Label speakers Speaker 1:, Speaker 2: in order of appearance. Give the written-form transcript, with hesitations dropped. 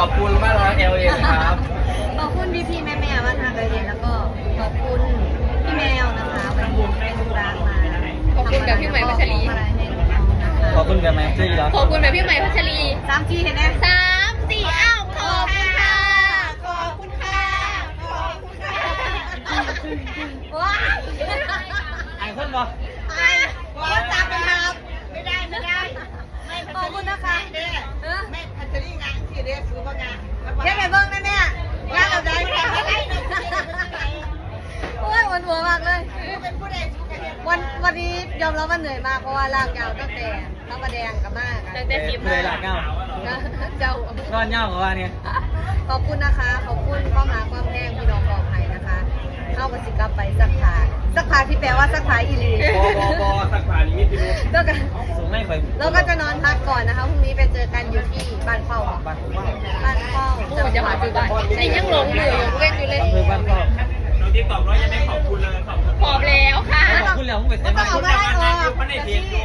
Speaker 1: อบคุณมากเลยเอลเอครับ
Speaker 2: ขอบคุณพี่แม่ๆมาทางเลยแล้วก็ขอบคุณพี่แมวนะคะไปดูร้านมา
Speaker 3: ขอบคุณกับพี่ใหม่พัชรี
Speaker 1: ขอบคุณกันไหมเจ๊แล้ว
Speaker 3: ขอบคุณแบบพี่ใหม่พัชรี
Speaker 2: 3 ทีเห็นไหม
Speaker 3: 3 4อ้าวขอบคุณค่ะขอบคุณค่ะขอบคุณค่ะ
Speaker 2: ว้าย
Speaker 1: ไอ้คนบ่
Speaker 2: ไอ้ว่าจับไปครับไม่ได้ขอบคุณนะคะไม่พัชรีงานที่เรียกสูบงานแค่ไปเบิ้งนะเนี่ยงานอะไรโอ้ยวันหัวมากเลยวันนี้ยอมรับว่าเหนื่อยมากเพราะว่าลากยาวตั้งแต่พระประแดงกับมาก
Speaker 3: ตั้งแต่10
Speaker 1: เลยหลักเงา
Speaker 2: เจ้าน
Speaker 1: อนเงากับว่าเนี่ย
Speaker 2: ขอบคุณนะคะขอบคุณความรักความแพงพี่น้องบอกให้นะคะเข้ากับสิกลับไปสักผาที่แปลว่าสักผาอีลี
Speaker 1: บอสักผ่านลิมิตพี่ลูก
Speaker 2: ก็กัน
Speaker 1: สูงไม่ค่อย
Speaker 2: เราก็จะนอนพักก่อนนะคะพรุ่งนี้ไปเจอกันอยู่ที่บ้านเป้า
Speaker 1: บ้านว่า
Speaker 2: บ้านเป้า
Speaker 3: โอ้จะมาคือบ้านไอ้ยังหลงอยู่เว้นอยู่เลย
Speaker 1: อำเภอบ้านพ่อ
Speaker 4: น้องติ๊กตอกร้อยยังไม่ขอบคุณเลยขอบคุณ
Speaker 3: ขอบแล้วค่ะ
Speaker 1: ขอบคุณแล้วมึงไปใช้
Speaker 2: ก็
Speaker 1: บ้าน
Speaker 2: เอามาไล่ออก
Speaker 4: มันในเพจอยู่